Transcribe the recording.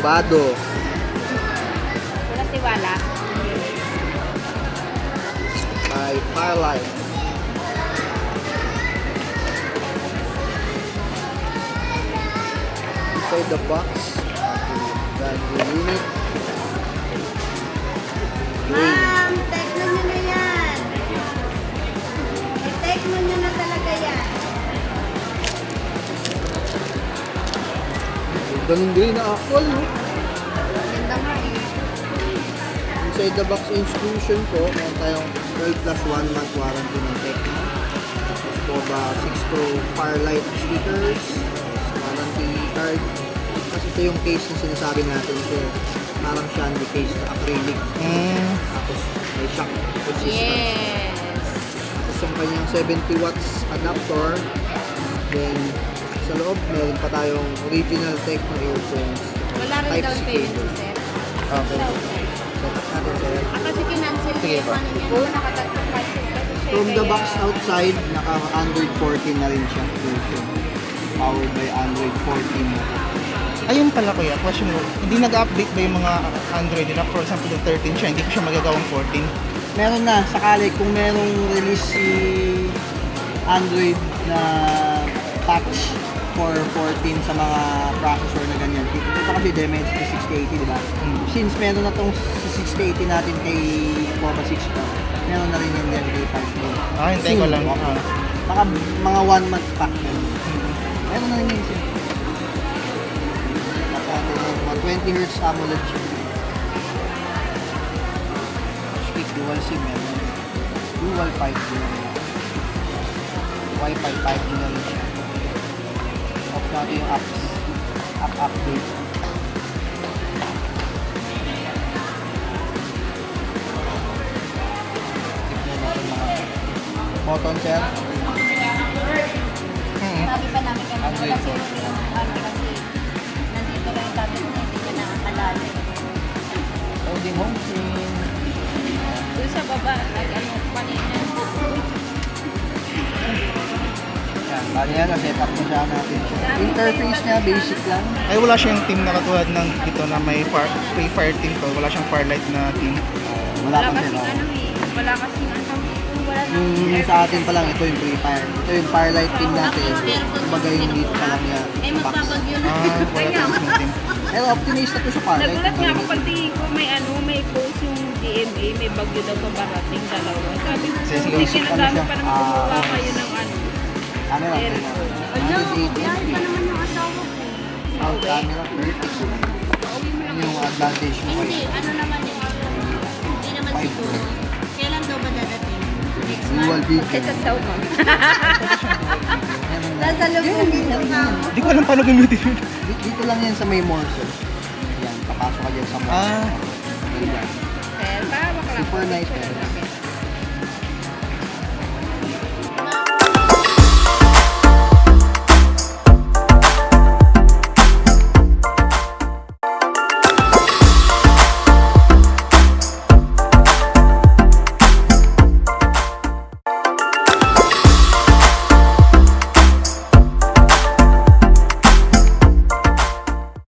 Hubado. Wala tiwala. By Firelight. Inside the box, brand new unit. Ma'am, Tecno nyo na yan. I-Tecno nyo na talaga yan. Ganun din na actual, no? Ganda nga eh. Inside the box instruction po, meron tayong 12 plus 1 month warranty ng Tecno. Tapos po ba 6 Pro Firelight stickers, warranty card. Kasi ito yung case na sinasabi natin, sir. Parang shandy case na acrylic. Tapos may shock resistor. Yes. Tapos yung kanyang 70 watts adapter. Then sa loob, meron pa tayong original Tecno earphones. Wala rin down payment, sir. Okay. Set up natin, sir. Kasi kinancel Sige yung po. ano niya. Nakatatlong cancel. From the box outside, naka Android 14 na rin siya version. Powered by Android 14. Ayun pala kuya, question mo, hindi nag-update ba yung mga Android nila? For example, yung 13 siya, hindi ko siya magagawang 14. Meron na, sakali kung merong release si Android na patch for 14 sa mga processor na ganyan. Ito kasi Dimensity 6080, di ba? Since meron na tong 6080 natin kay Poma 6 Pro, meron na rin yan din kay 5 Pro. Hintay ko lang. Baka mga 1 month pack yun. Meron na rin yun siya. 20 Hz AMOLED chip. Speak dual SIM meron. Dual 5G na rin. Wi-Fi 5G na rin siya. Off natin yung apps. App update. Tignan natin mga button, sir. Sabi pa namin kami Android kasi phone. yung ano kasi nandito lang yung tablet niya, hindi niya nakakalala. Holding home screen. Doon sa baba, nag-ano kanina. Yan, bali yan, na-set up na siya natin siya. Interface niya, basic lang. Ay wala siyang team na katulad ng dito na may free fire team ko. Wala siyang Firelight na team. Wala Wala pa kasing siya. ano eh. Wala kasing ano. Wala na. Yung sa atin pa lang, ito yung Free Fire. Ito yung Firelight team natin. Kumbaga yung dito pa lang yan. Eh sa box. magpapagyo na. Wala tayong team. Pero optimista to sa Firelight. Nagulat nga ako pagtingin ko may ano, may post yung DMA, may bagyo daw pabarating dalawa. Sabi ko, Sige, hindi sige. kinadami pa naman gumawa Ah, kayo ng ano. Camera. Ano? 180 Yan pa naman yung asawa ko. Sound camera, vertical. Yun yung advantage mo. Hindi, ano naman yung hindi naman siguro. Kailan daw ba dadating? Next Dual month? video. Kaysa daw ma'am. Nasa loob ng ako. Hindi ko alam paano gamitin yun. Dito lang yan sa may Morse. Yan, papasok ka dyan sa Morse. Ah. Ganyan. Sir, pahawak lang. Super nice.